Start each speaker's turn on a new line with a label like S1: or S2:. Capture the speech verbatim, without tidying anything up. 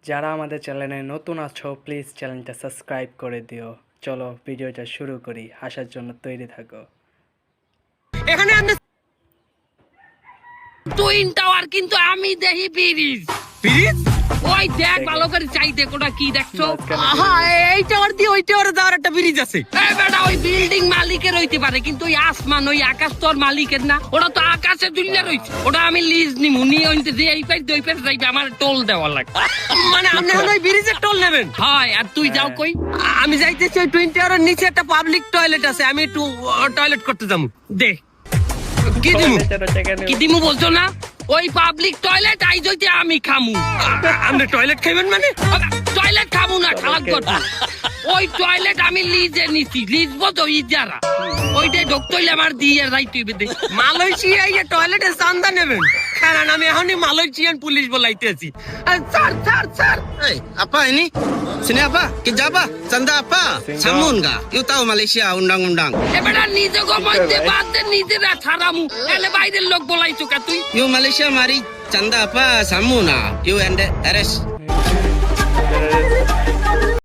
S1: যারা আমাদের চ্যানেলে নতুন আছো প্লিজ চ্যানেলটা সাবস্ক্রাইব করে দিও। চলো ভিডিওটা শুরু করি, আসার জন্য তৈরি থাকো।
S2: এখানে আমরা টুইন টাওয়ার কিন্তু আমি দেখি ব্রিজ ব্রিজ ওই দেখ ভালো করে চাই দেখ ওটা কি দেখছো। আহা এই টাওয়ার দিয়ে ওই টাওয়ারে যাওয়ার একটা ব্রিজ আছে। এই বেটা ওই বিল্ডিং মালিকের হইতে পারে কিন্তু ওই আসমান ওই আকাশ তো আর মালিকের না, ওটা তো আকাশে দুনিয়া রইছে। ওটা আমি লিজ নিমু নিয়ে ওইতে যে এই পাই দুই পাই যাইবে আমার টোল দেওয়া লাগবে। মানে আপনি এখন ওই ব্রিজের টোল নেবেন? হয়। আর তুই যাও কই? আমি যাইতেছি ওই টুইন টাওয়ারের নিচে একটা পাবলিক টয়লেট আছে, আমি একটু টয়লেট করতে যাবো। দে কি দিমু কি দিমু বলছো না? ওই পাবলিক টয়লেট আই যদি আমি খামু। আপনি টয়লেট খাইবেন মানে? টয়লেট খামু না খারাপ কথা। ওই টয়লেট আমি লিজে নিছি, লিজ বতো ইজারা। ওইটাই ঢুকতে হইলে আমার দিয়ে যাইতে হইবে। মালয়েশিয়ায় টয়লেটে চান্দা নেবেন? কারণ আমি এখনই মালয়েশিয়ান পুলিশ বলাইতেছি। Sir sir sir
S3: Hey, apa ini? Sini apa? Kerja apa? Canda apa? Samun enggak? You tahu Malaysia undang-undang.
S2: এবারে নিজে গো মধ্যে বাদে নিজেরা ছাড়ামু। এলে বাইরের লোক বলাইছো কা তুই?
S3: You Malaysia mari canda apa? Samun ah. You and arrest.